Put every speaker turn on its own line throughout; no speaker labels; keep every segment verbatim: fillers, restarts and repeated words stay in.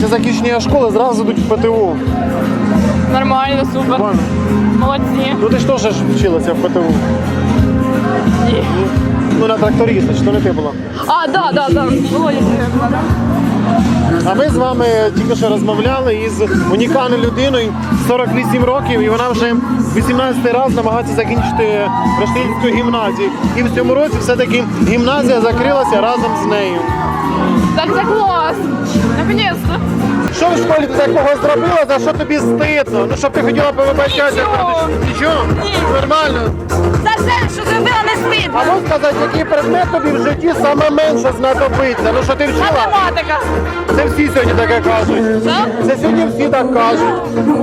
Після закінчення школи зразу йдуть в ПТУ.
Нормально, супер.
Нормально.
Молодці.
Ну ти ж теж вчилася в ПТУ?
Ні.
Ну на тракториста, чи то не ти була?
А, да, да, да. Володя була, да?
А ми з вами тільки що розмовляли із унікальною людиною, сорок вісім років, і вона вже вісімнадцятий раз намагається закінчити Рештильську гімназію. І в цьому році все-таки гімназія закрилася разом з нею.
Так, це клас. Наконец-то.
Що в школі ти такого зробила, за що тобі стидно? Ну, щоб ти хотіла повибачатися?
Нічого.
Нічого?
Ні.
Нормально.
За все, що зробила, не стидно.
А можеш сказати, який предмет тобі в житті саме менше знадобиться? Ну, що ти вчила?
Математика.
Це всі сьогодні таке кажуть.
Що?
Це сьогодні всі так кажуть.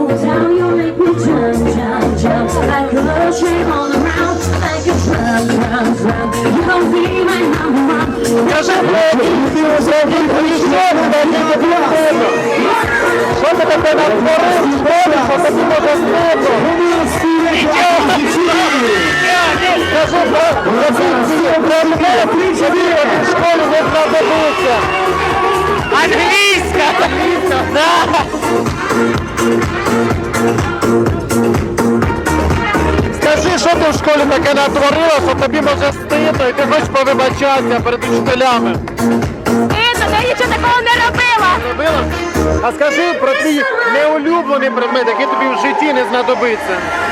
Скажи, ти зробив грішок, так і не що ти таке натворив в школі, що тобі може стидно? Скажи, який предмет тобі в школі не знадобиться?
Англійська.
Англійська?
Да.
Скажи, що ти в школі таке натворила, що тобі може стидно і ти хочеш повибачатися перед учителями?
Стидно, я нічого такого не робила.
Робила? А скажи про твій неулюблений предмет, який тобі в житті не знадобиться.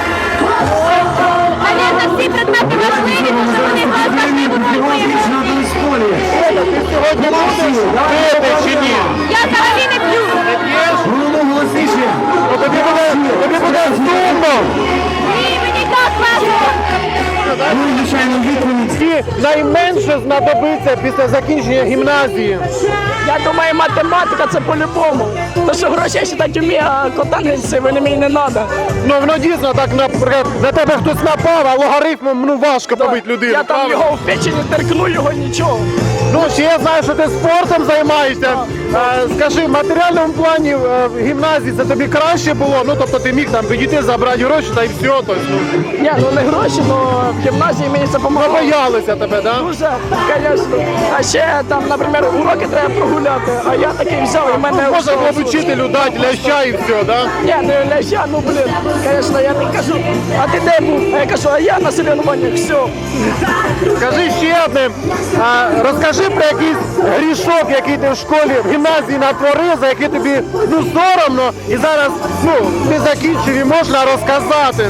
Навіть всі предмети важливі, тому що вони важливі в моєму житті.
Ти сьогодні будеш пити чи ні?
Я взагалі не п'ю.
Не п'єш? Ну, тобі буде, тобі буде сумно.
Ні, мені так весело.
Тобі найменше знадобиться після закінчення гімназії.
Я думаю, математика це по-любому. То, що гроші я считати вмію, а котангенці вони мені не треба.
Ну, воно дійсно так, наприклад, на тебе хтось напав, а логарифмом ну, важко побити людину.
Я там
правда?
його в печені теркну, його нічого.
Ну, ще я знаю, що ти спортом займаєшся. А, скажи, в матеріальному плані е, в гімназії це тобі краще було? Ну, тобто ти міг там підійти, забрати гроші та й все. Тобто, ну,
Ні, ну не гроші, але в гімназії мені це допомагало.
боялися тебе, так? Да?
Дуже, звісно. А ще там, наприклад, уроки треба прогуляти, а я такий взяв і мене...
Можна було б учителю дати ляща і все, так? Да?
Ні, не ляща, ну блін, звісно, я не кажу, а ти де був? А я кажу, а я на соревнованнях, все.
Скажи ще одне, а, розкажи про якийсь грішок, який ти в школі, в гімназії натворив, за який тобі ну, соромно, і зараз ну, ти закінчив і можна розказати.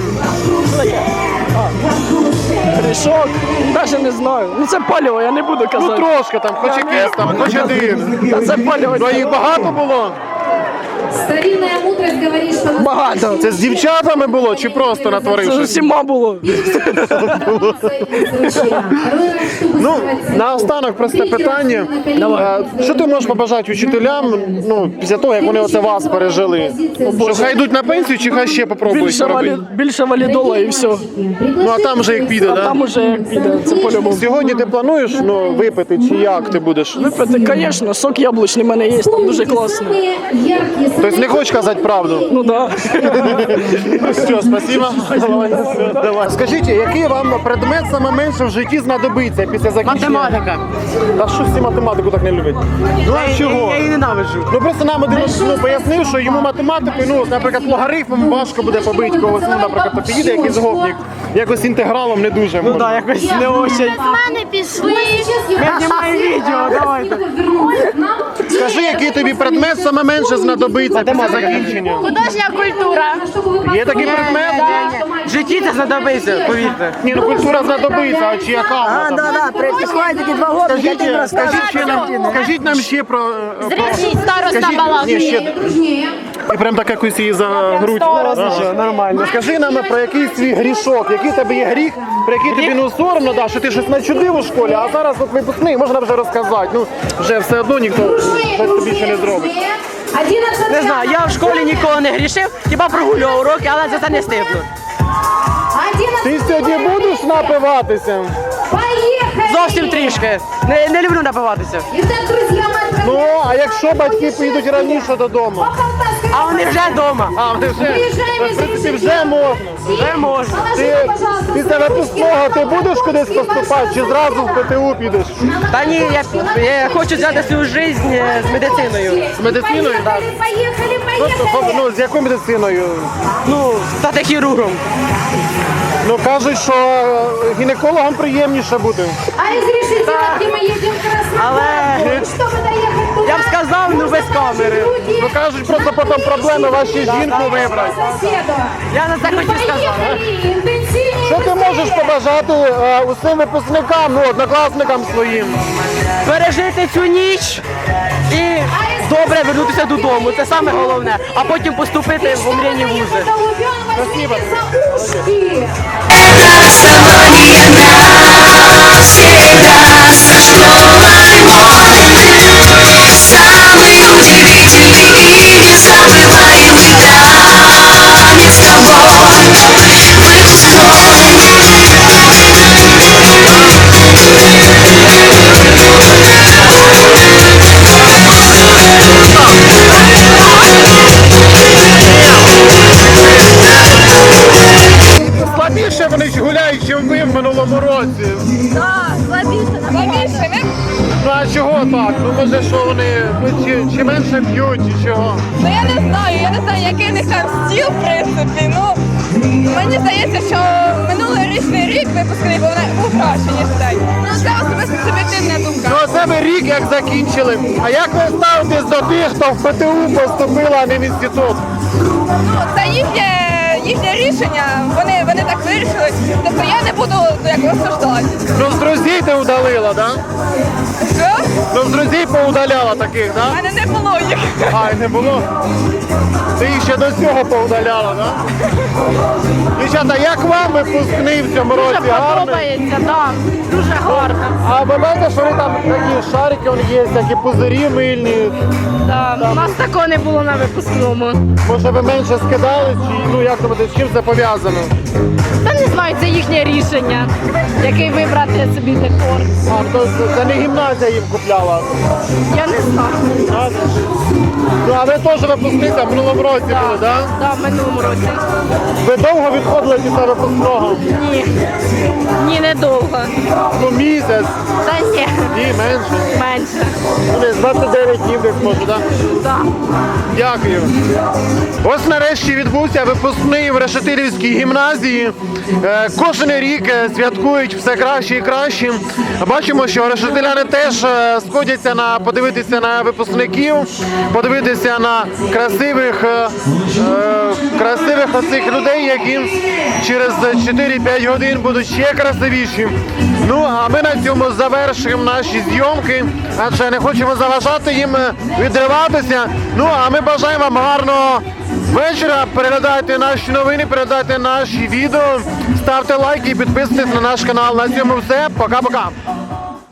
Грішок, навіть не знаю. Ну це паліво, я не буду
Ну
казати.
трошки там, хоч якийсь там, хоч один.
Та це паліво.
Ну, а їх багато було?
Старинная мудрость говорит, что на
Багато.
Це з дівчатами було чи просто
Це
натворив
з
щось?
усіма було.
Ну, наостанок просте питання. Е, Що ти можеш побажати учителям, ну, після того, як вони оце вас пережили? Що хай йдуть на пенсію чи хай ще попробують
Більше, валі...
робити?
Більше валідола і все.
Ну, а там вже як піде,
А
так?
там уже як піде, це по-любому.
Сьогодні ти плануєш ну, випити чи як ти будеш?
Випити, звісно, сок яблучний в мене є, там дуже класно.
яркие
Тобто не хочеш казати правду?
Ну так.
Ну все, спасибо. Давай. Скажіть, який вам предмет саме менше в житті знадобиться після закінчення?
Математика.
Та що всі математику так не люблять? Ну а чого?
Я її ненавиджу.
Ну просто нам один ну, пояснив, що йому математикою, ну, наприклад, логарифмом важко буде побити когось, ну, наприклад, то підійде якийсь гопник, якось інтегралом не дуже.
Ну так, якось не очень.
З мене пішли.
Я знімаю відео, давайте.
Скажи, який тобі предмет саме менше знадобиться після закінчення?
Художня культура.
Є такий предмет?
В житті це знадобиться, повірте.
Ні, ну культура знадобиться, а чи яка?
А,
вона там?
да, да, приходять такі два года,
Скажіть, скажіть, ще нам, скажіть нам ще про... е, про-
Зрічний староста
скажіть-
балакає.
Ні, ще... І прям так якось її за грудь. Ага.
нормально.
Скажи нам про якийсь свій грішок, який в тебе є гріх, про який тобі ну соромно, да, що ти щось начудив у школі, а зараз от випускний, можна вже розказати. Ну, вже все одно ніхто вже тобі ще не зробить.
Не знаю, я в школі ніколи не грішив, хіба прогулював уроки, але за це не стидно.
Ти сьогодні будеш напиватися?
Зовсім трішки. Не, не люблю напиватися.
Ну, а якщо батьки поїдуть раніше додому?
А вони вже вдома.
А, вони вже,
Виїжджаємо
в принципі,
з
вже можна.
Вже можна.
Ти після випускного ти будеш кудись поступати, чи зразу в ПТУ підеш?
Та ні, я, я хочу взяти свою життя з медициною.
З медициною?
Поїхали, поїхали,
Просто,
поїхали.
ну, з якою медициною?
Ну, стати хірургом.
Ну, кажуть, що е, гінекологам приємніше бути.
А разрешите, где мы едем в Краснодарку,
Але-
чтобы доехать туда,
Я б сказав, ну, без камери.
Ну, кажуть, просто потім проблеми ваші жінку вибрати.
соседу.
Я на це хочу сказати.
Поехали, интенсивнее,
Що ти
быстрее.
можеш побажати е, усім випускникам, ну, однокласникам своїм?
Пережити цю ніч і добре вернутися додому. Це саме головне. А потім поступити в омріяні вузи.
Спасибо.
За ушки.
Слабіше вони ж гуляють, ніж ви в минулому році.
Слабіше, не?
Ну а чого так? Ну може що вони ну, чи, чи менше п'ють, чи чого?
Ну я не знаю, я не знаю, який в них там стіл, в принципі. Ну мені здається, що минулорічний рік випускний був на- був краще, ніж цей. Ну це особисто суб'єктивна думка.
Ну оце ви рік як закінчили. А як ви ставитесь до тих, хто в ПТУ поступила, а не в інститут?
Ну це їхнє, їхнє рішення. Вони, вони так вирішили. Тобто я не буду ну, як осуждати.
Ну з друзів ти удалила, да?
Що?
Ну з друзів поудаляла таких,
У
да?
мене не було їх.
А, і не було. Ти їх ще до цього поудаляла, да? Дівчата, як вам випускний в цьому році? Гарний?
Подобається, так. Дуже гарно.
А ви бачите, що вони там такі шарики вони є, такі пузирі мильні.
Да. У нас такого не було на випускному.
Може ви менше скидали, чи ну як думаєте, з чим це пов'язано?
Та не знаю, це їхнє рішення, який вибрати собі декор.
А, то це- це не гімназія їм купляла.
Я не знаю.
А, ну а ви теж випускниця в минулому році були, так?
Да, в минулому році.
Ви довго відходили після випускного?
Ні. Ні, недовго.
Ну місяць,
Та ні,
ні, менше.
менше.
Ну, десь двадцять дев'ять днів десь може, так?
Да.
Дякую. Ось нарешті відбувся випускний в Решетилівській гімназії. Е, Кожен рік е, святкують все краще і краще. Бачимо, що решетиляни теж е, сходяться на подивитися на випускників, подивитися на красивих, е, е, красивих оцих людей, які через чотири-п'ять годин будуть ще красивіші. Ну а ми на цьому завершуємо наші зйомки, адже не хочемо заважати їм е, відриватися. Ну а ми бажаємо вам гарного вечора. Переглядайте наші новини, переглядайте наші відео, ставте лайки і підписуйтесь на наш канал. На цьому все. Пока-пока.